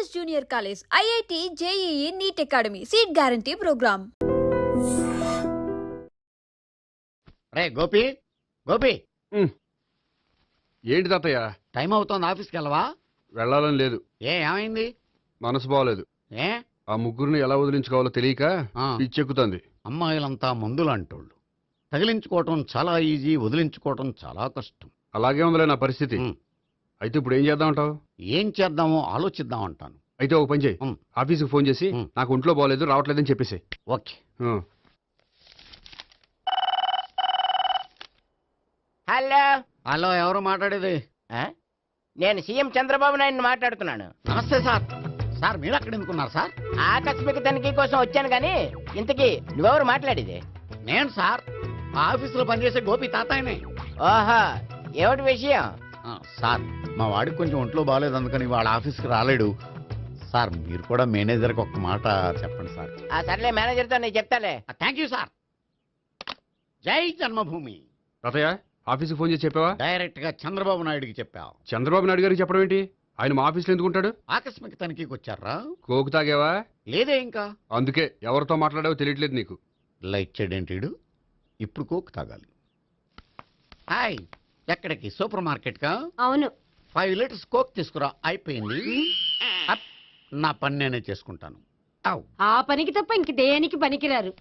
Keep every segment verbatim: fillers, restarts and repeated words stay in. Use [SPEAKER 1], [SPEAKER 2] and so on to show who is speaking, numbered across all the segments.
[SPEAKER 1] Adarsh Junior College, I I T, J E E, NEET Academy, Seat Guarantee Program.
[SPEAKER 2] రే గోపి గోపి
[SPEAKER 3] ఏంటి తాతయ్య?
[SPEAKER 2] Time అవుతోంది, ఆఫీస్కి వెళ్ళవా?
[SPEAKER 3] వెళ్ళాలని లేదు.
[SPEAKER 2] ఏ ఏమైంది?
[SPEAKER 3] మనసు బాగోలేదు.
[SPEAKER 2] ఏ
[SPEAKER 3] ఆ ముగ్గురిని ఎలా వదిలించుకోవాలో తెలియక పిచ్చెక్కుతుంది.
[SPEAKER 2] అమ్మాయిలంతా మందులు అంటోళ్ళు. తగిలించుకోవటం చాలా ఈజీ, వదిలించుకోవటం చాలా కష్టం.
[SPEAKER 3] అలాగే ఉందిలే నా పరిస్థితి. అయితే ఇప్పుడు ఏం చేద్దామంటావు?
[SPEAKER 2] ఏం చేద్దామో ఆలోచిద్దాం అంటాను.
[SPEAKER 3] అయితే ఒక పని చేయి, ఆఫీస్కి ఫోన్ చేసి నాకు ఒంట్లో బాగోలేదు రావట్లేదని చెప్పేసి.
[SPEAKER 2] ఓకే.
[SPEAKER 4] హలో
[SPEAKER 2] హలో, ఎవరు మాట్లాడేది?
[SPEAKER 4] నేను సీఎం చంద్రబాబు నాయుడు మాట్లాడుతున్నాను.
[SPEAKER 2] నమస్తే సార్. సార్ మీరు అక్కడ ఎందుకున్నారు సార్?
[SPEAKER 4] ఆకస్మిక తనిఖీ కోసం వచ్చాను గాని ఇంతకీ నువ్వెవరు మాట్లాడేది?
[SPEAKER 2] నేను సార్ ఆఫీసులో పనిచేసే గోపి తాతాయనే.
[SPEAKER 4] ఓహో, ఏమిటి విషయం?
[SPEAKER 2] సార్ మా వాడికి కొంచెం ఒంట్లో బాగాలేదు, అందుకని వాళ్ళ ఆఫీస్కి రాలేడు సార్. మీరు కూడా మేనేజర్కి ఒక మాట చెప్పండి సార్.
[SPEAKER 4] ఆ సర్లే, మేనేజర్తో నేను చెప్తాలే.
[SPEAKER 2] Thank you sir. జై జన్మభూమి.
[SPEAKER 3] తాతయ్య ఆఫీస్కి ఫోన్ చేసి చెప్పావా?
[SPEAKER 2] డైరెక్ట్ గా చంద్రబాబు నాయుడుకి చెప్పావు.
[SPEAKER 3] చంద్రబాబు నాయుడు గారికి చెప్పడం ఏంటి? ఆయన మా ఆఫీస్లో ఎందుకుంటాడు?
[SPEAKER 2] ఆకస్మిక తనిఖీకి వచ్చారా?
[SPEAKER 3] కోకు తాగావా?
[SPEAKER 2] లేదే ఇంకా.
[SPEAKER 3] అందుకే ఎవరితో మాట్లాడావో తెలియట్లేదు నీకు.
[SPEAKER 2] లైట్ చేయడేంటిడు, ఇప్పుడు కోక్ తాగాలి. హాయ్, ఎక్కడికి? సూపర్ మార్కెట్ కా?
[SPEAKER 5] అవును.
[SPEAKER 2] ఫైవ్ లీటర్స్ కోక్ తీసుకురా. అయిపోయింది. అప్, నా పని నేనే చేసుకుంటాను.
[SPEAKER 5] ఆ పనికి తప్ప ఇంక దేనికి పనికిరారు.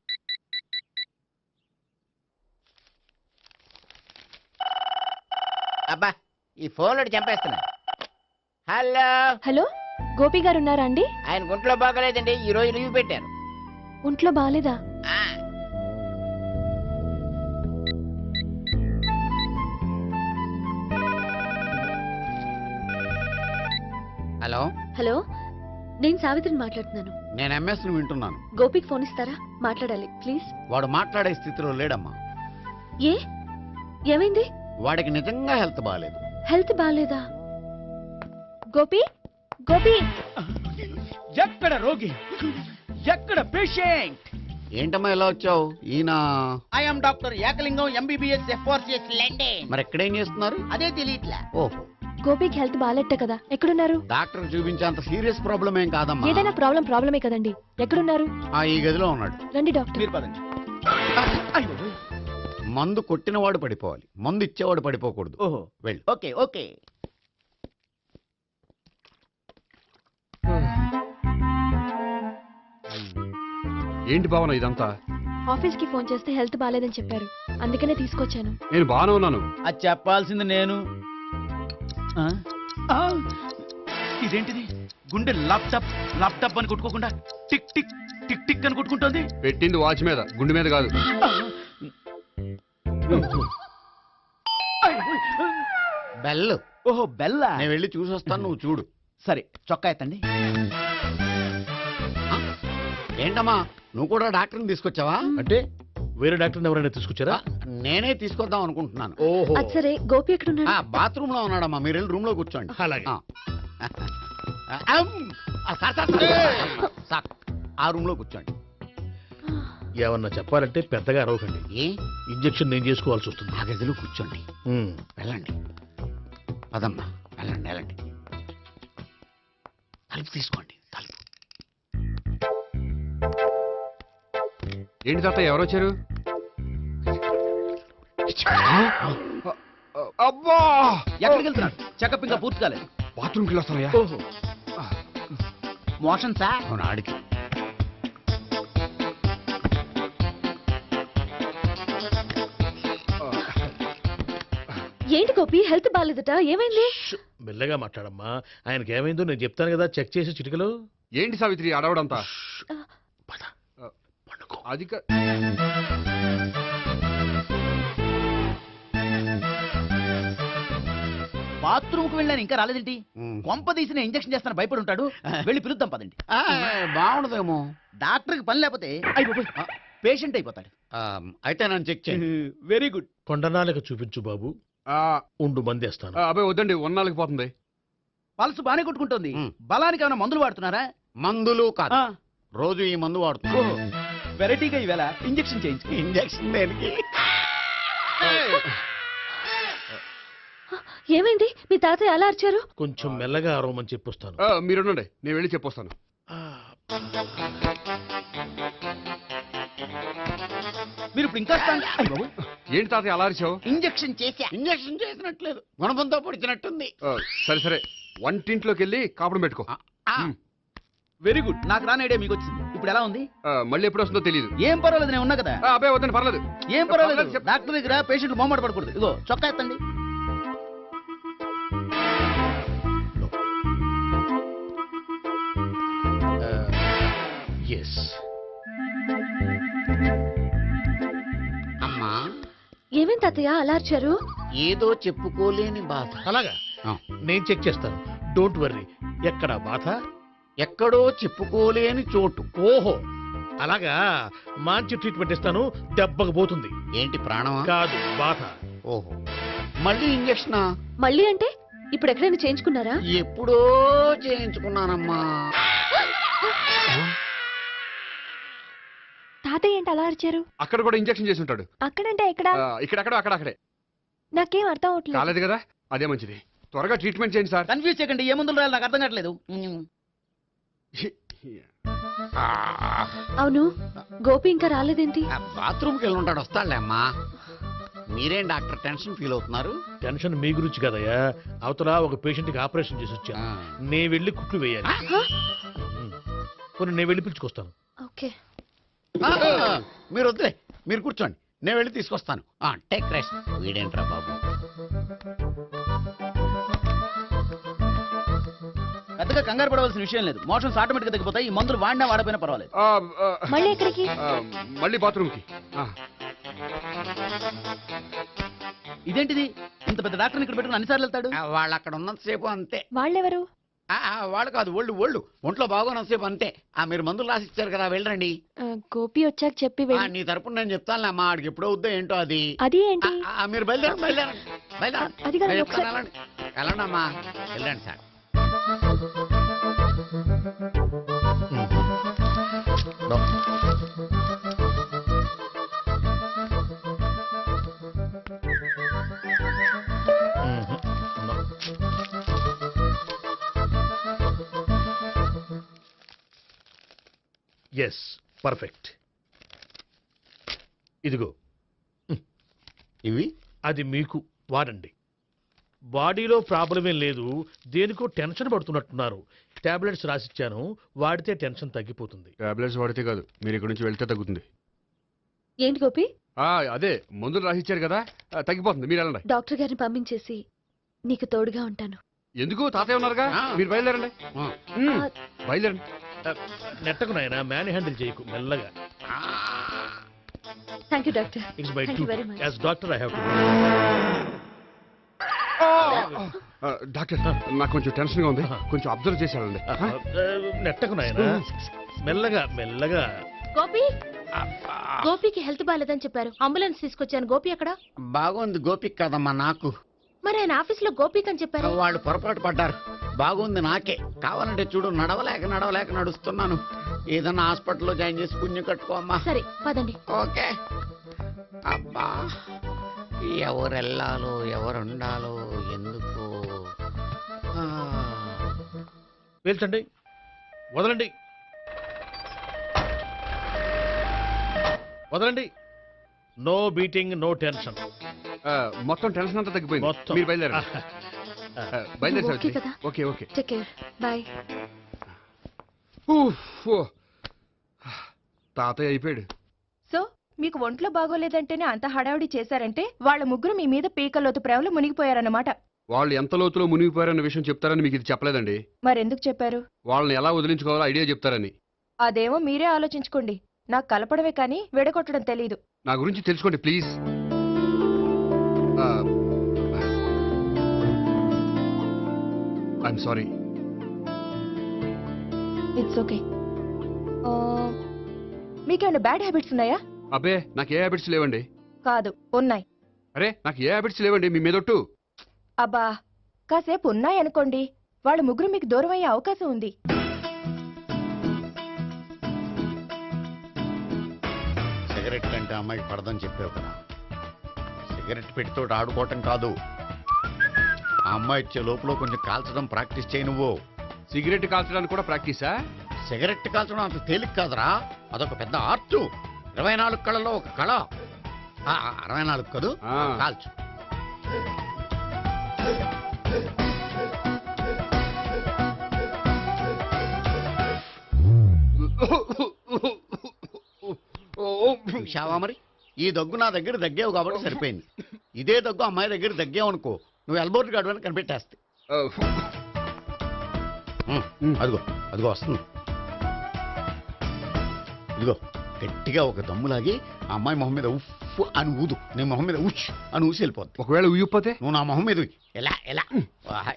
[SPEAKER 4] అబ్బా, ఈ ఫోన్లో చంపేస్తున్నా. హలో
[SPEAKER 6] హలో, గోపి గారు ఉన్నారా అండి?
[SPEAKER 4] ఆయన గుంట్లో బాగలేదండి, ఈ రోజు లీవ్ పెట్టారు.
[SPEAKER 6] ఒంట్లో బాగాలేదా?
[SPEAKER 2] హలో
[SPEAKER 6] హలో, నేను సావిత్రిని మాట్లాడుతున్నాను.
[SPEAKER 2] నేను ఎంఎస్ ను వింటున్నాను.
[SPEAKER 6] గోపికి ఫోన్ ఇస్తారా? మాట్లాడాలి ప్లీజ్.
[SPEAKER 2] వాడు మాట్లాడే స్థితిలో లేడమ్మా.
[SPEAKER 6] ఏ ఏమైంది?
[SPEAKER 2] వాడికి నిజంగా హెల్త్ బాగాలేదు.
[SPEAKER 6] హెల్త్ బాగాలేదా? గోపి గోపి
[SPEAKER 7] ఎక్కడ రోగి, ఎక్కడ పేషెంట్?
[SPEAKER 2] ఏంటమ్మా ఇలా వచ్చావు? ఈయన
[SPEAKER 7] I'm doctor Ekalingam, MBBS, FRCS London.
[SPEAKER 2] మరి ఎక్కడేం చేస్తున్నారు?
[SPEAKER 7] అదే తెలియట్లా.
[SPEAKER 2] ఓహో,
[SPEAKER 6] గోపికి హెల్త్ బాగాలెట్ట కదా, ఎక్కడున్నారు?
[SPEAKER 2] డాక్టర్ చూపించేంత సీరియస్ ప్రాబ్లం ఏం కాదమ్మా.
[SPEAKER 6] ఏదైనా ప్రాబ్లం ప్రాబ్లమే కదండి. ఎక్కడున్నారు?
[SPEAKER 2] ఆ ఈ గదిలో ఉన్నాడు.
[SPEAKER 6] రండి డాక్టర్.
[SPEAKER 7] మీరు పదండి.
[SPEAKER 2] మందు కొట్టినవాడు పడిపోవాలి, మందు ఇచ్చేవాడు పడిపోకూడదు.
[SPEAKER 7] ఓహో,
[SPEAKER 2] వెళ్ళు.
[SPEAKER 7] Okay okay.
[SPEAKER 3] ఏంటి భావన ఇదంతా?
[SPEAKER 6] ఆఫీస్ కి ఫోన్ చేస్తే హెల్త్ బాగాలేదని చెప్పారు, అందుకనే తీసుకొచ్చాను.
[SPEAKER 3] నేను బాగానే ఉన్నాను.
[SPEAKER 7] అది చెప్పాల్సింది నేను. ఆ? ఆ! ఇదేంటిది? గుండె ల్యాప్టాప్ ల్యాప్టాప్ అని కొట్టుకోకుండా టిక్ టిక్ టిక్ టిక్ అని కొట్టుకుంటోంది.
[SPEAKER 3] పెట్టింది వాచ్ మీద, గుండె మీద కాదు.
[SPEAKER 2] బెల్.
[SPEAKER 7] ఓహో, బెల్లా.
[SPEAKER 2] నేను వెళ్ళి చూసి వస్తాను, నువ్వు చూడు.
[SPEAKER 7] సరే, చొక్కా ఎత్తండి.
[SPEAKER 2] ఏంటమ్మా, నువ్వు కూడా డాక్టర్ని తీసుకొచ్చావా?
[SPEAKER 8] అంటే వేరే డాక్టర్ ఎవరైనా తీసుకొచ్చారా?
[SPEAKER 2] నేనే తీసుకొద్దాం అనుకుంటున్నాను.
[SPEAKER 8] ఓహో,
[SPEAKER 6] అది సరే, గోపి ఎక్కడున్నాడు?
[SPEAKER 2] బాత్రూమ్ లో ఉన్నాడమ్మా, మీరు వెళ్ళి రూమ్ లో కూర్చోండి.
[SPEAKER 8] అలాగే.
[SPEAKER 2] ఆ. అమ్. ఆ, సార్, సార్, సార్, సార్, ఆ రూమ్ లో కూర్చోండి.
[SPEAKER 8] ఏమన్నా చెప్పాలంటే పెద్దగా అరవకండి.
[SPEAKER 2] ఏ
[SPEAKER 8] ఇంజెక్షన్ నేను చేసుకోవాల్సి వస్తుంది.
[SPEAKER 2] ఆ గదిలో కూర్చోండి.
[SPEAKER 8] ఉమ్.
[SPEAKER 2] వెళ్ళండి, పదమ్మా, వెళ్ళండి వెళ్ళండి. తలుపు తీసుకోండి, తలుపు.
[SPEAKER 3] ఏంటి తాత ఎవరు వచ్చారు? అబ్బా,
[SPEAKER 7] ఎక్కడికి వెళ్తున్నాడు? చెకప్ ఇంకా పూర్తి కాలేదు.
[SPEAKER 3] బాత్రూమ్కి వెళ్ళొస్తానయ్యా.
[SPEAKER 7] ఓహో, మోషన్ సార్.
[SPEAKER 2] అవును, ఆడికి.
[SPEAKER 6] ఏంటి గోపి, హెల్త్ బాగాలేదట, ఏమైంది?
[SPEAKER 8] మెల్లగా మాట్లాడమ్మా. ఆయనకి ఏమైందో నేను చెప్తాను కదా, చెక్ చేసి చిటికలో.
[SPEAKER 3] ఏంటి సావిత్రి అడవడంతా?
[SPEAKER 8] పద, పండుకో.
[SPEAKER 3] అది కా-
[SPEAKER 7] బాత్రూమ్ కు వెళ్ళాను, ఇంకా రాలేదేంటి?
[SPEAKER 2] ఉమ్.
[SPEAKER 7] కొంప తీసిన ఇంజక్షన్ చేస్తాను భయపడి ఉంటాడు. వెళ్ళి పిలుద్దాం పదండి.
[SPEAKER 2] ఆ, బాగుండదేమో.
[SPEAKER 7] డాక్టర్కి పని లేకపోతే అయిపోయి పేషెంట్ అయిపోతాడు.
[SPEAKER 2] ఆ, అయితే నన్ను చెక్ చేయండి.
[SPEAKER 7] Very good.
[SPEAKER 8] కొండనాలకు చూపించు బాబు.
[SPEAKER 3] ఆ,
[SPEAKER 8] ఉండు మందేస్తాను.
[SPEAKER 3] ఆ, అబ్బాయి వద్దండి, ఉన్నాళ్ళకి పోతుంది.
[SPEAKER 7] పల్స్ బానే కొట్టుకుంటుంది.
[SPEAKER 2] ఉమ్.
[SPEAKER 7] బలానికి ఏమైనా మందులు వాడుతున్నారా?
[SPEAKER 2] మందులు కాదు,
[SPEAKER 7] ఆ,
[SPEAKER 2] రోజు ఈ మందు వాడుతున్నా.
[SPEAKER 7] ఓహో, వెరైటీగా ఈవేళ ఇంజక్షన్ చేయించు.
[SPEAKER 2] ఇంజక్షన్ దేనికి?
[SPEAKER 6] ఏమైంది మీ తాతయ్య అలా అరిచారు?
[SPEAKER 8] కొంచెం మెల్లగా అరవమని చెప్పొస్తాను.
[SPEAKER 3] ఆ, మీరుండండి, నేను వెళ్ళి చెప్పొస్తాను.
[SPEAKER 7] మీరు ఇప్పుడు ఇంకా strong- అయ్ బాబోయ్.
[SPEAKER 3] ఏంటి తాతయ్య అలా అరిచావు?
[SPEAKER 4] ఇంజెక్షన్ చేశా.
[SPEAKER 2] ఇంజక్షన్ చేసినట్లేదు గుణపంతో పొడిచినట్టుంది.
[SPEAKER 3] ఆ, సరే సరే వంటింట్లోకి వెళ్ళి కాపురం పెట్టుకో.
[SPEAKER 2] ఆ,
[SPEAKER 3] ఉమ్.
[SPEAKER 7] Very good. నాకు రాని ఐడియా మీకు వచ్చింది. ఇప్పుడు ఎలా ఉంది?
[SPEAKER 3] ఆ, మళ్ళీ ఎప్పుడు వస్తుందో తెలియదు.
[SPEAKER 7] ఏం పర్వాలేదు, నేను ఉన్నా కదా.
[SPEAKER 3] అబ్బాయి వద్దని పర్లేదు.
[SPEAKER 7] ఏం పర్వాలేదు.
[SPEAKER 3] పర్వాలేదు, చెప్పు.
[SPEAKER 7] డాక్టర్ దగ్గర పేషెంట్లు మొహమాట పడకూడదు. ఇగో చొక్కా ఎత్తండి.
[SPEAKER 8] ఎస్.
[SPEAKER 2] అమ్మా
[SPEAKER 6] ఏమేం తాతయ్య అలా అరిచారు?
[SPEAKER 2] ఏదో చెప్పుకోలేని బాధ.
[SPEAKER 8] అలాగా
[SPEAKER 2] ఆ,
[SPEAKER 8] నేను చెక్ చేస్తాను. Don't worry. ఎక్కడ బాధ?
[SPEAKER 2] ఎక్కడో చెప్పుకోలేని చోటు.
[SPEAKER 8] ఓహో అలాగా. మంచి ట్రీట్మెంట్ ఇస్తాను, దెబ్బకు పోతుంది.
[SPEAKER 2] ఏంటి ప్రాణమా?
[SPEAKER 8] కాదు, బాధ.
[SPEAKER 2] ఓహో మళ్ళీ ఇంజక్షనా?
[SPEAKER 6] మళ్ళీ అంటే ఇప్పుడు ఎక్కడైనా చేయించుకున్నారా?
[SPEAKER 2] ఎప్పుడో చేయించుకున్నానమ్మా.
[SPEAKER 6] తాతయ్య ఏంటి అలా అరిచారు?
[SPEAKER 3] అక్కడ కూడా ఇంజెక్షన్ చేసి ఉంటాడు.
[SPEAKER 6] అక్కడంటే ఎక్కడ?
[SPEAKER 3] ఆ, ఇక్కడెక్కడో అక్కడక్కడే.
[SPEAKER 6] నాకేం అర్థం అవట్లేదు.
[SPEAKER 3] కాలేదు కదా, అదే మంచిది. త్వరగా ట్రీట్మెంట్ చేయండి సార్.
[SPEAKER 7] కన్ఫ్యూజ్ చేయకండి. ఏ మందులు రాయాలి నాకు అర్థం కావట్లేదు.
[SPEAKER 6] అవును, గోపి ఇంకా రాలేదేంటి?
[SPEAKER 2] బాత్రూమ్కి వెళ్ళి ఉంటాడు, వస్తాడులే అమ్మా. మీరేం డాక్టర్ టెన్షన్ ఫీల్ అవుతున్నారు?
[SPEAKER 8] టెన్షన్ మీ గురించి కదయ్యా. అవతల ఒక పేషెంట్ కి ఆపరేషన్ చేసి వచ్చాను.
[SPEAKER 2] ఆ.
[SPEAKER 8] నే వెళ్ళి కుట్లు వేయాలి.
[SPEAKER 6] హ?
[SPEAKER 8] ఉమ్. పోనీ నేను వెళ్ళి పిలుచుకొస్తాను.
[SPEAKER 6] ఓకే.
[SPEAKER 2] ఆ, మీరు వద్దులే, మీరు కూర్చోండి, నేను వెళ్ళి తీసుకొస్తాను. Take rest. వీడేంట్రా బాబు.
[SPEAKER 7] పెద్దగా కంగారు పడవలసిన విషయం లేదు. మోషన్స్ ఆటోమేటిక్ గా తగ్గిపోతాయి. ఈ మందులు వాడినా వాడపోయినా పర్వాలేదు.
[SPEAKER 3] ఆ, ఆ,
[SPEAKER 6] మళ్ళీ ఎక్కడికి?
[SPEAKER 3] ఆ, మళ్ళీ బాత్రూమ్కి. ఆ,
[SPEAKER 7] ఇదేంటిది? ఇంత పెద్ద డాక్టర్ని ఇక్కడ పెట్టుకుని అన్నిసార్లు వెళ్తాడు.
[SPEAKER 2] ఆ, వాళ్ళు అక్కడ ఉన్నంతసేపు అంతే.
[SPEAKER 6] వాళ్ళెవరు?
[SPEAKER 2] ఆ, ఆ, వాళ్ళు కాదు, ఒళ్ళు ఒళ్ళు ఒంట్లో బాగోనంతసేపు అంతే. ఆ మీరు మందులు రాసి ఇచ్చారు కదా, వెళ్ళండి.
[SPEAKER 6] ఆ, గోపి వచ్చాక చెప్పి
[SPEAKER 2] ఆ,
[SPEAKER 6] వెళ్ళి.
[SPEAKER 2] నీ తరపున నేను చెప్తానులే అమ్మా, ఆడికి ఎప్పుడో వద్దో ఏంటో అది.
[SPEAKER 6] అది ఏంటి?
[SPEAKER 2] ఆ, ఆ, మీరు బయలుదేరండి, బయలుదేరండి, బయలుదేరండి.
[SPEAKER 6] అది కాదు,
[SPEAKER 2] నేను
[SPEAKER 6] ఒకసారి-
[SPEAKER 2] చెప్తాను, వెళ్ళండి వెళ్ళండి అమ్మా, వెళ్ళండి సార్.
[SPEAKER 8] Yes, perfect. ఇదిగో
[SPEAKER 2] ఇవి
[SPEAKER 8] అది మీకు వాడండి. బాడీలో ప్రాబ్లం ఏం లేదు, దేనికో టెన్షన్ పడుతున్నట్టున్నారు. టాబ్లెట్స్ రాసిచ్చాను, వాడితే టెన్షన్ తగ్గిపోతుంది.
[SPEAKER 3] టాబ్లెట్స్ వాడితే కాదు, మీరు ఇక్కడ నుంచి వెళ్తే తగ్గుతుంది.
[SPEAKER 6] ఏంటి గోపి?
[SPEAKER 3] ఆ, అదే మందులు రాసిచ్చారు కదా, ఆ, తగ్గిపోతుంది. మీరు వెళ్ళండి.
[SPEAKER 6] డాక్టర్ గారిని పంపించేసి నీకు తోడుగా ఉంటాను.
[SPEAKER 3] ఎందుకు? తాతయ్య ఉన్నారుగా,
[SPEAKER 2] ఆ.
[SPEAKER 3] మీరు బయలుదేరండి.
[SPEAKER 2] ఆ,
[SPEAKER 3] ఉమ్,
[SPEAKER 6] ఆ,
[SPEAKER 3] బయలుదేరండి.
[SPEAKER 8] నెట్టకు నాయన, మ్యాన్ హ్యాండిల్ చేయకు, మెల్లగా.
[SPEAKER 2] ఆ.
[SPEAKER 6] Thank you doctor.
[SPEAKER 8] It's my
[SPEAKER 6] Thank
[SPEAKER 8] duty
[SPEAKER 6] you very much.
[SPEAKER 8] As doctor. I have to.
[SPEAKER 3] ఆ, డాక్టర్, నాకు కొంచెం టెన్షన్ గా ఉంది, కొంచెం అబ్జర్వ్ చేసి వెళ్ళండి. ఆ?
[SPEAKER 8] నెట్టకు నాయన, మెల్లగా మెల్లగా.
[SPEAKER 6] గోపి, గోపికి హెల్త్ బాగాలేదని చెప్పారు. అంబులెన్స్ తీసుకొచ్చాను. గోపి ఎక్కడ?
[SPEAKER 2] బాగుంది గోపిక్ కదమ్మా నాకు.
[SPEAKER 6] మరి ఆయన ఆఫీస్ లో గోపిక్ అని చెప్పారు.
[SPEAKER 2] వాళ్ళు పొరపాటు పడ్డారు. బాగుంది నాకే. కావాలంటే చూడు, నడవలేక నడవలేక నడుస్తున్నాను. ఏదన్నా హాస్పిటల్లో జాయిన్ చేసి పుణ్యం కట్టుకో అమ్మా.
[SPEAKER 6] సరే పదండి.
[SPEAKER 2] ఓకే. అబ్బా, ఎవరు వెళ్ళాలో ఎవరు ఉండాలో ఎందుకు. ఆ.
[SPEAKER 8] పేల్చండి, వదలండి, వదలండి. No beating, no tension.
[SPEAKER 3] ఆ, మొత్తం టెన్షన్ అంతా తగ్గిపోయింది.
[SPEAKER 8] మొత్తం.
[SPEAKER 3] మీరు బయలుదేరండి. ఆ, బయలుదేరి
[SPEAKER 6] ఓకే
[SPEAKER 3] సావిత్రి.
[SPEAKER 6] కదా?
[SPEAKER 3] Okay okay.
[SPEAKER 6] Take care. Bye.
[SPEAKER 3] ఊఫ్, ఓ. తాతయ్య అయిపోయాడు.
[SPEAKER 9] సో మీకు ఒంట్లో బాగోలేదంటేనే అంత హడావుడి చేశారంటే వాళ్ళ ముగ్గురు మీ మీద పీకలోతు ప్రేమలో మునిగిపోయారన్నమాట.
[SPEAKER 3] వాళ్ళు ఎంత లోతులో మునిగిపోయారన్న విషయం చెప్తారని మీకు ఇది చెప్పలేదండి.
[SPEAKER 9] మరెందుకు చెప్పారు?
[SPEAKER 3] వాళ్ళని ఎలా వదిలించుకోవాలో ఐడియా చెప్తారని.
[SPEAKER 9] అదేమో మీరే ఆలోచించుకోండి. నాకు కలపడమే కానీ విడగొట్టడం తెలీదు.
[SPEAKER 3] నా గురించి తెలుసుకోండి please. I'm sorry.
[SPEAKER 9] It's okay. మీకేమైనా బ్యాడ్ హ్యాబిట్స్ ఉన్నాయా?
[SPEAKER 3] అబ్బే, నాకు ఏ హ్యాబిట్స్ లేవండి.
[SPEAKER 9] కాదు, ఉన్నాయి.
[SPEAKER 3] అరే, నాకు ఏ హ్యాబిట్స్ లేవండి మీ మీదొట్టు.
[SPEAKER 9] అబ్బా, కాసేపు ఉన్నాయనుకోండి, వాళ్ళ ముగ్గురు మీకు దూరం అయ్యే అవకాశం ఉంది.
[SPEAKER 2] సిగరెట్ కంటే అమ్మాయికి పడదని చెప్పావు కదా. సిగరెట్ పెట్టితో ఆడుకోవటం కాదు, ఆ అమ్మాయి ఇచ్చే లోపల కొంచెం కాల్చడం ప్రాక్టీస్ చేయి నువ్వు.
[SPEAKER 3] సిగరెట్ కాల్చడానికి కూడా ప్రాక్టీసా?
[SPEAKER 2] సిగరెట్ కాల్చడం అంత తేలిక కాదురా, అదొక పెద్ద ఆర్ట్. ఇరవై నాలుగు కళలో ఒక కళ. ఆ, అరవై నాలుగు కదూ,
[SPEAKER 3] ఆ.
[SPEAKER 2] కాల్చు. చూశావా మరి, ఈ దగ్గు నా దగ్గర దగ్గేవు కాబట్టి సరిపోయింది. ఇదే దగ్గు అమ్మాయి దగ్గర దగ్గేవు అనుకో, నువ్వు ఎల్బోర్డ్ గార్డు అని కనిపెట్టేస్తే. ఉమ్, అదిగో అదిగో వస్తుంది. ఇదిగో గట్టిగా ఒక దమ్ములాగి ఆ అమ్మాయి మొహం మీద ఉఫ్ అని ఊదు, నీ మొహం మీద ఉచ్ అని ఊసి వెళ్ళిపోద్ది.
[SPEAKER 3] ఒకవేళ ఉయ్యిపోతే
[SPEAKER 2] నువ్వు నా మొహం మీద ఉయ్. ఎలా ఎలా వాహ్.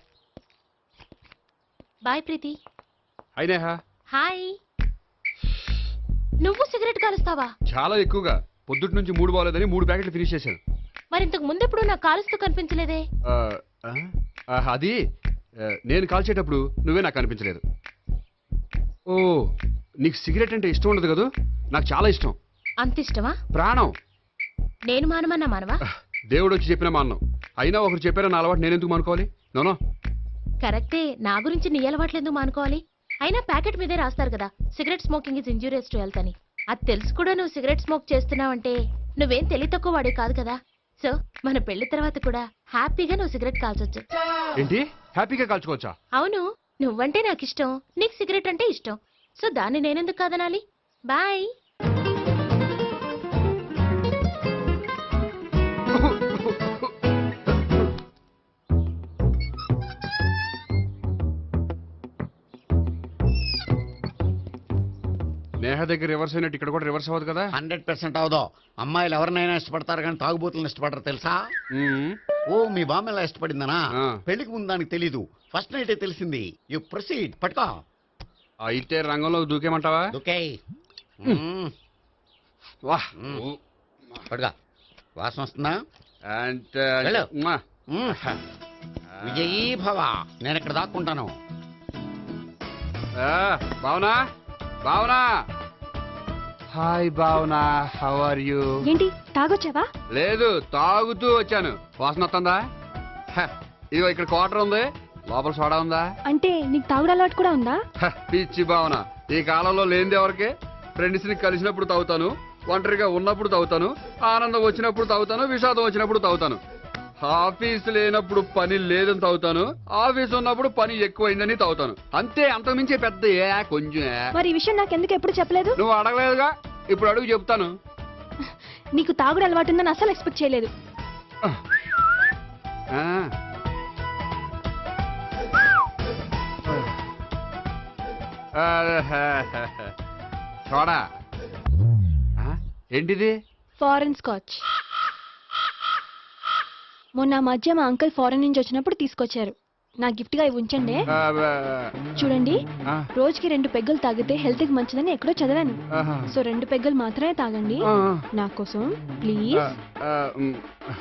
[SPEAKER 6] బాయ్ ప్రీతి.
[SPEAKER 3] అయినా
[SPEAKER 6] హాయ్. నువ్వు సిగరెట్ కాలుస్తావా?
[SPEAKER 3] చాలా ఎక్కువగా. పొద్దుటి నుంచి మూడు బాగోలేదని మూడు ప్యాకెట్లు ఫినిష్ చేశాను.
[SPEAKER 6] మరి ఇంతకు ముందెప్పుడు నాకు కాలుస్తూ కనిపించలేదే?
[SPEAKER 3] ఆ, ఆ, అది ఆ, నేను కాల్చేటప్పుడు నువ్వే నాకు కనిపించలేదు. ఓ, నీకు సిగరెట్ అంటే ఇష్టం ఉండదు కదూ? నాకు చాలా ఇష్టం,
[SPEAKER 6] అంత ఇష్టమా?
[SPEAKER 3] ప్రాణం.
[SPEAKER 6] నేను మానమన్నా మానవా?
[SPEAKER 3] దేవుడు వచ్చి చెప్పినా మాన్నం. అయినా ఒకరు చెప్పారా నా అలవాటు నేను ఎందుకు మానుకోవాలి? నోనో.
[SPEAKER 6] కరెక్టే, నా గురించి నీ అలవాట్లు ఎందుకు మానుకోవాలి? అయినా ప్యాకెట్ మీదే రాస్తారు కదా, cigarette smoking is injurious to health అని. అది తెలుసు కూడా నువ్వు సిగరెట్ స్మోక్ చేస్తున్నావంటే నువ్వేం తెలివి తక్కువ వాడే కాదు కదా. సో మన పెళ్లి తర్వాత కూడా హ్యాపీగా నువ్వు సిగరెట్ కాల్చొచ్చు.
[SPEAKER 3] ఏంటి, హ్యాపీగా కాల్చుకోవచ్చా?
[SPEAKER 6] అవును, నువ్వంటే నాకు ఇష్టం, నీకు సిగరెట్ అంటే ఇష్టం. సో దాన్ని నేనెందుకు కాదనాలి? బాయ్.
[SPEAKER 3] నేహ దగ్గర రివర్స్ అయినట్టు ఇక్కడ కూడా రివర్స్ అవ్వదు కదా?
[SPEAKER 2] హండ్రెడ్ పర్సెంట్ అవదో. అమ్మాయిలు ఎవరినైనా ఇష్టపడతారు కానీ తాగుబోతులను ఇష్టపడరు తెలుసా?
[SPEAKER 3] మ్మ్.
[SPEAKER 2] ఓ, మీ బామ్మ ఎలా ఇష్టపడిందనా?
[SPEAKER 3] ఆ.
[SPEAKER 2] పెళ్లికి ముందు దానికి తెలీదు, ఫస్ట్ నైటే తెలిసింది. యు ప్రొసీడ్, పట్టుకో.
[SPEAKER 3] అయితే రంగంలో దూకేమంటావా?
[SPEAKER 2] ఓకే,
[SPEAKER 3] వాహ్.
[SPEAKER 2] పట్టుకో. వాసన వస్తుందా?
[SPEAKER 3] అంటే
[SPEAKER 2] వెళ్ళు.
[SPEAKER 3] మ్మా.
[SPEAKER 2] మ్మ్. విజయీ భవ. నేను ఇక్కడ దాక్కుంటాను.
[SPEAKER 3] ఆ, Bhavana, Bhavana. Hi Bhavana, how are you?
[SPEAKER 9] ఏంటి తాగొచ్చావా?
[SPEAKER 3] లేదు, తాగుతూ వచ్చాను. వాసన వస్తుందా? హ, ఇదిగో ఇక్కడ క్వార్టర్ ఉంది, లోపల సోడా ఉందా?
[SPEAKER 9] అంటే నీకు తాగుడు అలవాటు కూడా ఉందా?
[SPEAKER 3] హ, పిచ్చి భావన. ఈ కాలంలో లేనిది ఎవరికి? ఫ్రెండ్స్ ని కలిసినప్పుడు తాగుతాను, ఒంటరిగా ఉన్నప్పుడు తాగుతాను, ఆనందం వచ్చినప్పుడు తాగుతాను, విషాదం వచ్చినప్పుడు తాగుతాను. ఆఫీస్ లేనప్పుడు పని లేదని తాగుతాను, ఆఫీస్ ఉన్నప్పుడు పని ఎక్కువైందని తాగుతాను. అంతే, అంతకుమించే పెద్ద ఏ కొంచెం ఏ.
[SPEAKER 9] మరి ఈ విషయం నాకెందుకు ఎప్పుడు చెప్పలేదు?
[SPEAKER 3] నువ్వు అడగలేదుగా, ఇప్పుడు అడుగు చెప్తాను.
[SPEAKER 9] నీకు తాగుడు అలవాటు ఉందని అసలు ఎక్స్పెక్ట్ చేయలేదు.
[SPEAKER 3] ఆ. చూడా. ఆ, ఏంటిది?
[SPEAKER 9] Foreign scotch. మొన్న ఆ మధ్య మా అంకుల్ ఫారెన్ నుంచి వచ్చినప్పుడు తీసుకొచ్చారు. నా గిఫ్ట్ గా ఇవి ఉంచండి.
[SPEAKER 3] ఆ, ఆ,
[SPEAKER 9] చూడండి,
[SPEAKER 3] ఆ,
[SPEAKER 9] రోజుకి రెండు పెగ్గులు తాగితే హెల్త్ కి మంచిదని ఎక్కడో చదివాను.
[SPEAKER 3] ఆహా.
[SPEAKER 9] సో రెండు పెగ్గులు మాత్రమే తాగండి
[SPEAKER 3] ఆ,
[SPEAKER 9] నా కోసం
[SPEAKER 3] ఆ,
[SPEAKER 9] ప్లీజ్.
[SPEAKER 3] ఆ, ఉమ్.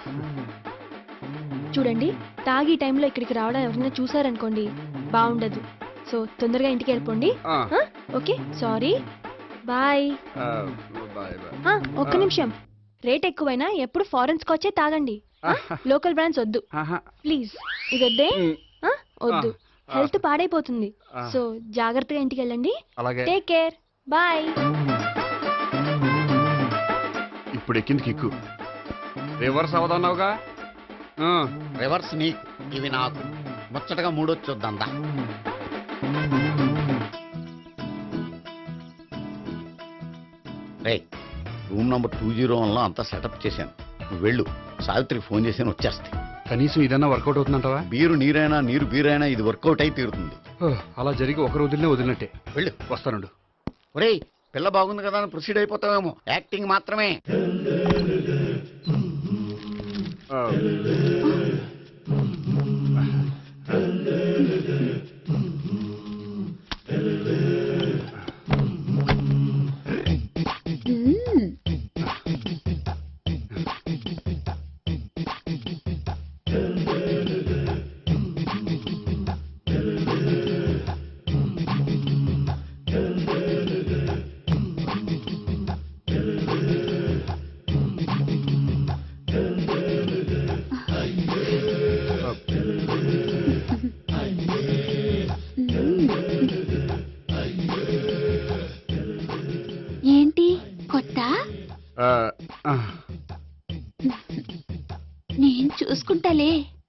[SPEAKER 9] చూడండి, తాగి ఈ టైంలో ఇక్కడికి రావడం ఎవరైనా చూసారనుకోండి బాగుండదు. సో తొందరగా ఇంటికి వెళ్ళిపోండి.
[SPEAKER 3] ఆ,
[SPEAKER 9] ఆ? Okay, sorry, bye.
[SPEAKER 3] ఆ, బాయ్ బాయ్.
[SPEAKER 9] ఆ, ఒక్క నిమిషం. రేట్ ఎక్కువైనా ఎప్పుడు ఫారెన్ స్కాచే తాగండి. ఆ? లోకల్ బ్రాండ్స్ వద్దు
[SPEAKER 3] ఆహా.
[SPEAKER 9] ప్లీజ్. ఇది వద్దే.
[SPEAKER 3] ఉమ్.
[SPEAKER 9] ఆ? వద్దు,
[SPEAKER 3] ఆ.
[SPEAKER 9] హెల్త్ పాడైపోతుంది.
[SPEAKER 3] ఆ.
[SPEAKER 9] సో జాగ్రత్తగా ఇంటికి వెళ్ళండి.
[SPEAKER 3] అలాగే.
[SPEAKER 9] Take care, bye.
[SPEAKER 3] ఇప్పుడు ఎక్కింది కిక్కు. రివర్స్ అవదన్నావుగా. ఆ,
[SPEAKER 2] రివర్స్ నీకు, ఇవి నాకు. ముచ్చటగా మూడొచ్చు చూద్దాందా. రే, room number two zero one లో అంతా సెటప్ చేశాను. నువ్వు వెళ్ళు, సావిత్రికి ఫోన్ చేసాను, వచ్చేస్తాయి.
[SPEAKER 3] కనీసం ఇదన్నా వర్కౌట్ అవుతుందంటావా?
[SPEAKER 2] బీరు నీరైనా నీరు బీరైనా ఇది వర్కౌట్ అయి తీరుతుంది.
[SPEAKER 3] ఓ, అలా జరిగి ఒకరు వదిలినే వదిలినట్టే.
[SPEAKER 2] వెళ్ళు.
[SPEAKER 3] వస్తానుండు.
[SPEAKER 2] ఒరేయ్, పిల్ల బాగుంది కదా అని ప్రొసీడ్ అయిపోతావేమో. యాక్టింగ్ మాత్రమే.
[SPEAKER 3] ఆ.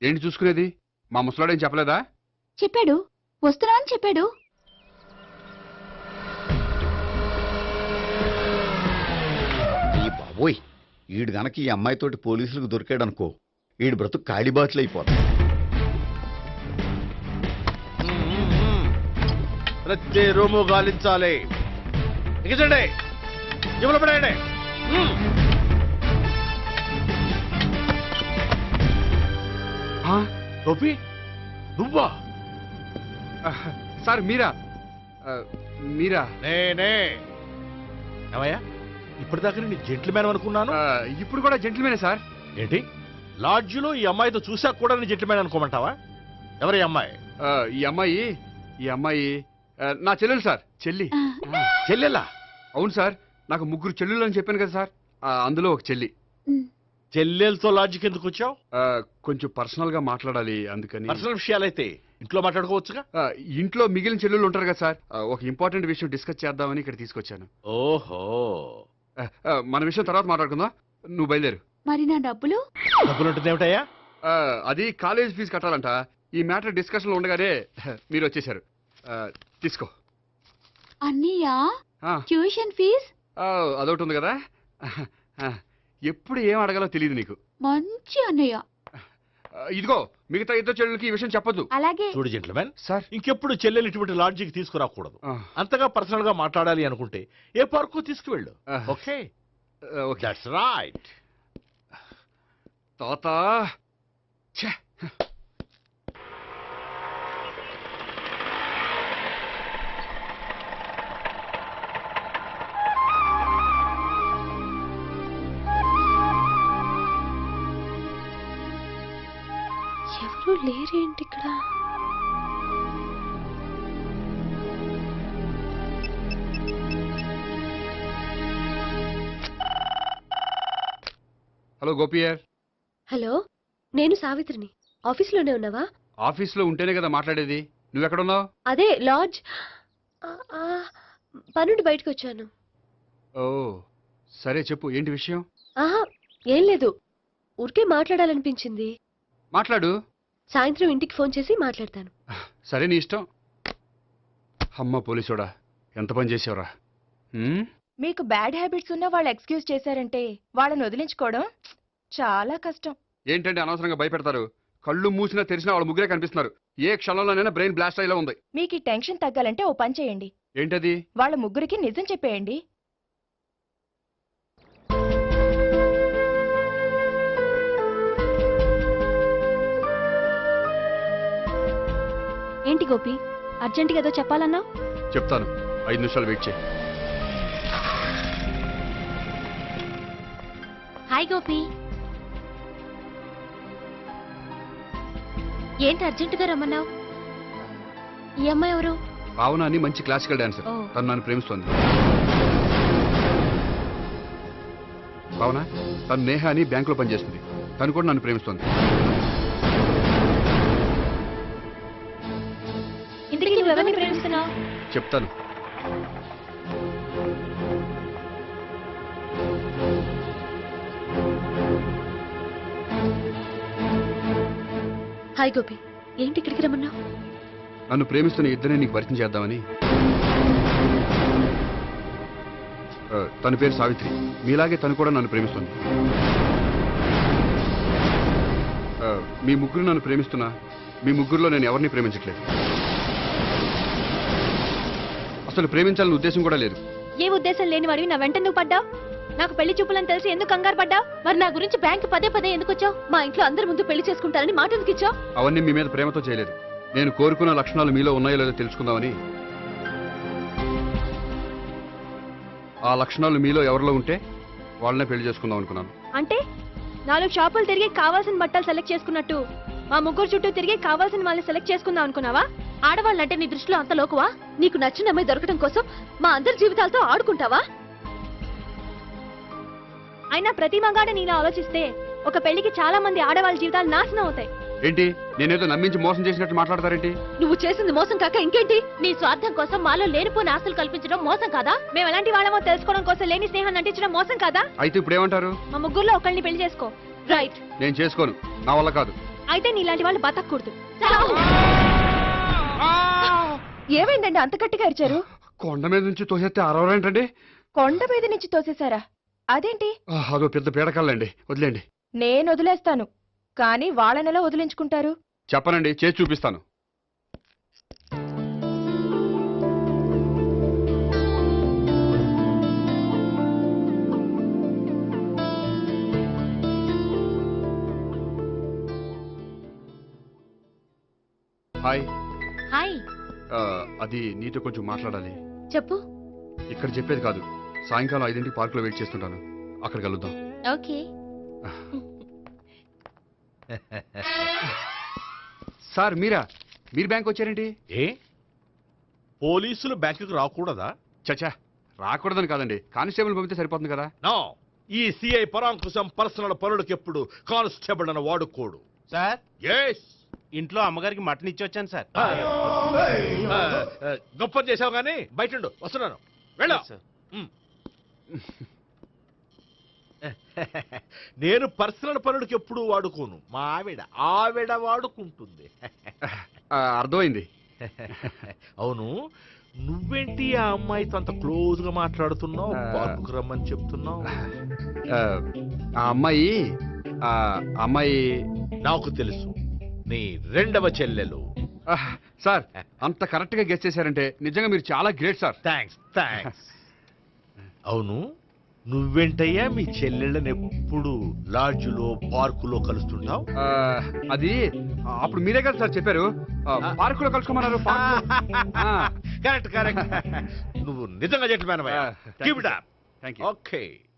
[SPEAKER 3] ఏంటి చూసుకునేది? మా ముసలాడేం చెప్పలేదా?
[SPEAKER 1] చెప్పాడు, వస్తున్నా అని చెప్పాడు.
[SPEAKER 2] ఈ బాబోయ్, ఈడు గనక ఈ అమ్మాయితోటి పోలీసులకు దొరికాడు అనుకో, ఈడు బ్రతుకు కాళీబాట్లు అయిపోతాయి.
[SPEAKER 8] ప్రతి రూము గాలించాలి. ఎగచండి, జబ్బులు పడేయండి.
[SPEAKER 3] ఆ?
[SPEAKER 8] గోపి, నువ్వా?
[SPEAKER 3] ఆహ్, సార్ మీరా? ఆ, మీరా?
[SPEAKER 8] నేనే. ఏమయ్యా, ఇప్పటిదాకా నేను జెంట్లమ్యాన్ అనుకున్నాను.
[SPEAKER 3] ఆ, ఇప్పుడు కూడా జెంటిల్మేనే సార్.
[SPEAKER 8] ఏంటి, లాడ్జిలో ఈ అమ్మాయితో చూసాక కూడా నేను జెంట్లమ్యాన్ అనుకోమంటావా? ఎవరి అమ్మాయి?
[SPEAKER 3] ఆ, ఈ అమ్మాయి ఈ అమ్మాయి ఆ, నా చెల్లెలు సార్. చెల్లి.
[SPEAKER 8] చెల్లెలా?
[SPEAKER 3] అవును సార్, నాకు ముగ్గురు చెల్లెలు అని చెప్పాను కదా సార్, ఆ, అందులో ఒక చెల్లి.
[SPEAKER 8] చెల్లెలతో లాడ్జికి ఎందుకు వచ్చావు?
[SPEAKER 3] ఆ, కొంచెం పర్సనల్ గా మాట్లాడాలి అందుకని.
[SPEAKER 8] పర్సనల్ విషయాలైతే ఇంట్లో మాట్లాడుకోవచ్చుగా.
[SPEAKER 3] ఆ, ఇంట్లో మిగిలిన చెల్లెలు ఉంటారు కదా సార్, ఆ, ఒక ఇంపార్టెంట్ విషయం డిస్కస్ చేద్దామని ఇక్కడ తీసుకొచ్చాను.
[SPEAKER 8] ఓహో,
[SPEAKER 3] ఆ, ఆ, మన విషయం తర్వాత మాట్లాడుకుందాం, నువ్వు బయలుదేరు.
[SPEAKER 1] మరి నా డబ్బులు?
[SPEAKER 8] డబ్బులు ఉంటుంది ఏమిటయ్యా?
[SPEAKER 3] ఆ, అది కాలేజ్ ఫీజు కట్టాలంట. ఈ మ్యాటర్ డిస్కషన్ లో ఉండగానే మీరు వచ్చేసారు. ఆ, తీసుకో.
[SPEAKER 1] అన్నయ్యా,
[SPEAKER 3] ఆ,
[SPEAKER 1] ట్యూషన్ ఫీజ్?
[SPEAKER 3] ఆ, అదొకటి ఉంది కదా. ఆ, ఎప్పుడు ఏం అడగాలో తెలియదు నీకు.
[SPEAKER 1] మంచి అన్నయ్య.
[SPEAKER 3] ఆ, ఇదిగో మిగతా ఇద్దరు చెల్లెలకి ఈ విషయం చెప్పొద్దు.
[SPEAKER 1] అలాగే.
[SPEAKER 8] చూడు జెంట్లమ్యాన్,
[SPEAKER 3] సార్.
[SPEAKER 8] ఇంకెప్పుడు చెల్లెలు ఇటువంటి లాడ్జికి తీసుకురాకూడదు.
[SPEAKER 3] ఆ,
[SPEAKER 8] అంతగా పర్సనల్ గా మాట్లాడాలి అనుకుంటే ఏ పార్కు తీసుకువెళ్ళు.
[SPEAKER 3] ఆ.
[SPEAKER 8] ఓకే,
[SPEAKER 3] ఆ, ఓకే.
[SPEAKER 8] That's right.
[SPEAKER 3] తాత ఛే.
[SPEAKER 6] ఎవరు లేరేంటి ఇక్కడ?
[SPEAKER 3] హలో గోపియర్.
[SPEAKER 6] హలో, నేను సావిత్రిని. ఆఫీస్లోనే ఉన్నావా?
[SPEAKER 3] ఆఫీస్లో ఉంటేనే కదా మాట్లాడేది. నువ్వెక్కడున్నావు?
[SPEAKER 6] అదే లాడ్జ్. ఆ, ఆ, పనుండి బయటకు వచ్చాను.
[SPEAKER 3] ఓ సరే, చెప్పు ఏంటి విషయం?
[SPEAKER 6] ఆహా, ఏం లేదు, ఊరికే మాట్లాడాలనిపించింది.
[SPEAKER 3] మాట్లాడు.
[SPEAKER 6] సాయంత్రం ఇంటికి ఫోన్ చేసి మాట్లాడతాను.
[SPEAKER 3] సరే, నీ ఇష్టం. అమ్మ పోలీసోడా, ఎంత పని చేసావురా. హ్మ్?
[SPEAKER 9] మీకు బ్యాడ్ హ్యాబిట్స్ ఉన్న వాళ్ళు ఎక్స్క్యూజ్ చేశారంటే వాళ్ళని వదిలించుకోవడం చాలా కష్టం.
[SPEAKER 3] ఏంటంటే అనవసరంగా భయపెడతారు. కళ్ళు మూసినా తెరిచినా వాళ్ళ ముగ్గురే కనిపిస్తున్నారు. ఏ క్షణంలోనైనా బ్రెయిన్ బ్లాస్ట్ అయ్యేలా ఉంది.
[SPEAKER 9] మీకు ఈ టెన్షన్ తగ్గాలంటే ఓ పని చేయండి.
[SPEAKER 3] ఏంటది?
[SPEAKER 9] వాళ్ళ ముగ్గురికి నిజం చెప్పేయండి.
[SPEAKER 6] ఏంటి గోపి, అర్జెంటుగా ఏదో చెప్పాలన్నావు?
[SPEAKER 3] చెప్తాను, ఐదు నిమిషాలు వెయిట్ చేయి.
[SPEAKER 6] హాయ్ గోపి. ఏంటి అర్జెంటుగా రమ్మన్నావు? ఈ అమ్మాయి ఎవరు?
[SPEAKER 3] భావన అని మంచి క్లాసికల్ డాన్సర్.
[SPEAKER 6] ఓ.
[SPEAKER 3] తను నన్ను ప్రేమిస్తోంది. భావన, తను నేహ అని బ్యాంకులో పనిచేస్తుంది. తను కూడా నన్ను ప్రేమిస్తోంది.
[SPEAKER 6] ఇంతకీ నువ్వెవరిని ప్రేమిస్తున్నావు?
[SPEAKER 3] చెప్తాను.
[SPEAKER 6] హాయ్ గోపి, ఏంటి ఇక్కడికి రమ్మన్నావు?
[SPEAKER 3] నన్ను ప్రేమిస్తున్న ఇద్దరిని నీకు పరిచయం చేద్దామని. ఆ, తన పేరు సావిత్రి. మీలాగే తను కూడా నన్ను ప్రేమిస్తుంది. ఆ, మీ ముగ్గురు నన్ను ప్రేమిస్తున్నా మీ ముగ్గురులో నేను ఎవరిని ప్రేమించట్లేదు. అసలు ప్రేమించాలని ఉద్దేశం కూడా లేదు.
[SPEAKER 6] ఏ ఉద్దేశం లేని వాడివి నా వెంట నువ్వు పడ్డావు? నాకు పెళ్లి చూపులని తెలిసి ఎందుకు కంగారు పడ్డావు? మరి నా గురించి బ్యాంక్ పదే పదే ఎందుకు వచ్చావు? మా ఇంట్లో అందరి ముందు పెళ్లి చేసుకుంటారని మాట ఎందుకు ఇచ్చావు?
[SPEAKER 3] అవన్నీ మీ మీద ప్రేమతో చేయలేదు. నేను కోరుకున్న లక్షణాలు మీలో ఉన్నాయో లేదో తెలుసుకుందామని. ఆ లక్షణాలు మీలో ఎవరిలో ఉంటే వాళ్ళనే పెళ్లి చేసుకుందాం అనుకున్నాను.
[SPEAKER 6] అంటే నాలుగు షాపులు తిరిగి కావాల్సిన బట్టలు సెలెక్ట్ చేసుకున్నట్టు మా ముగ్గురు చుట్టూ తిరిగి కావాల్సిన వాళ్ళని సెలెక్ట్ చేసుకుందాం అనుకున్నావా? ఆడవాళ్ళంటే నీ దృష్టిలో అంత లోకువా? నీకు నచ్చిన అమ్మాయి దొరకడం కోసం మా అందరి జీవితాలతో ఆడుకుంటావా? అయినా ప్రతి మగాడ నీలా ఆలోచిస్తే ఒక పెళ్లికి చాలా మంది ఆడవాళ్ళ జీవితాలు నాశనం అవుతాయి.
[SPEAKER 3] ఏంటి, నేనేదో నమ్మించి మోసం చేసినట్టు మాట్లాడతారేంటి?
[SPEAKER 6] నువ్వు చేసింది మోసం కాక ఇంకేంటి? నీ స్వార్థం కోసం మాలో లేనిపోని ఆస్తులు కల్పించడం మోసం కాదా? మేము ఎలాంటి వాళ్ళమో తెలుసుకోవడం కోసం లేని స్నేహాన్ని నటించడం మోసం కాదా?
[SPEAKER 3] అయితే ఇప్పుడు ఏమంటారు?
[SPEAKER 6] మా ముగ్గురులో ఒకళ్ళని పెళ్లి చేసుకో. రైట్.
[SPEAKER 3] నేను చేసుకోను, నా వల్ల కాదు.
[SPEAKER 9] అయితే నీలాంటి వాళ్ళు బతకూడదు ఏమైందండి అంత గట్టిగా అరిచారు?
[SPEAKER 3] కొండ మీద నుంచి తోసేస్తే అరవరేంటండి?
[SPEAKER 9] కొండ మీద నుంచి తోసేశారా? అదేంటి?
[SPEAKER 3] ఆ, అదో పెద్ద పీడకల్లండి, వదిలేండి.
[SPEAKER 9] నేను వదిలేస్తాను, కానీ వాళ్ళనెలా వదిలించుకుంటారు?
[SPEAKER 3] చెప్పనండి, చేసి చూపిస్తాను. హాయ్.
[SPEAKER 6] హాయ్,
[SPEAKER 3] ఆ, అది నీతో కొంచెం మాట్లాడాలి.
[SPEAKER 6] చెప్పు.
[SPEAKER 3] ఇక్కడ చెప్పేది కాదు, సాయంకాలం ఐదింటికి పార్కులో వెయిట్ చేస్తుంటాను, అక్కడ కలుద్దాం.
[SPEAKER 6] ఓకే.
[SPEAKER 3] సార్ మీరా? మీరు బ్యాంక్ వచ్చారేంటి?
[SPEAKER 8] ఏ పోలీసులు బ్యాంకుకు రాకూడదా?
[SPEAKER 3] చచ్చా, రాకూడదని కాదండి, కానిస్టేబుల్ పంపితే సరిపోతుంది కదా.
[SPEAKER 8] నో, ఈ సిఐ పరాంకుశం పర్సనల్ పనులకు ఎప్పుడు కానిస్టేబుల్ అని వాడుకోడు.
[SPEAKER 7] సార్,
[SPEAKER 8] ఎస్,
[SPEAKER 7] ఇంట్లో అమ్మగారికి మటన్ ఇచ్చి వచ్చాను సార్.
[SPEAKER 8] గొప్ప చేసావు కానీ బయట ఉండు, వస్తున్నాను, వెళ్ళా.
[SPEAKER 7] సార్.
[SPEAKER 8] నేను పర్సనల్ పనులకు ఎప్పుడు వాడుకోను, మా ఆవిడ ఆవిడ వాడుకుంటుంది.
[SPEAKER 3] ఆ, అర్థమైంది.
[SPEAKER 8] అవును, నువ్వేంటి ఆ అమ్మాయితో అంత క్లోజ్ గా మాట్లాడుతున్నావు, పార్కుకు రమ్మని చెప్తున్నావు?
[SPEAKER 3] ఆ, ఆ అమ్మాయి ఆ అమ్మాయి
[SPEAKER 8] నాకు తెలుసు, నీ రెండవ చెల్లెలు.
[SPEAKER 3] ఆ, సార్ అంత కరెక్ట్ గా గెస్ చేశారంటే నిజంగా మీరు చాలా గ్రేట్ సార్.
[SPEAKER 8] Thanks thanks. అవును, నువ్వేంటయ్యా మీ చెల్లెళ్ళని ఎప్పుడు లాడ్జ్లో పార్కులో కలుస్తుంటావు?
[SPEAKER 3] ఆ, అది అప్పుడు మీరే కదా సార్ చెప్పారు, ఆ, పార్కులో కలుసుకోమన్నారు.
[SPEAKER 8] Correct correct. నువ్వు నిజంగా జెంటిల్‌మ్యాన్.
[SPEAKER 3] Thank you.
[SPEAKER 8] ఓకే.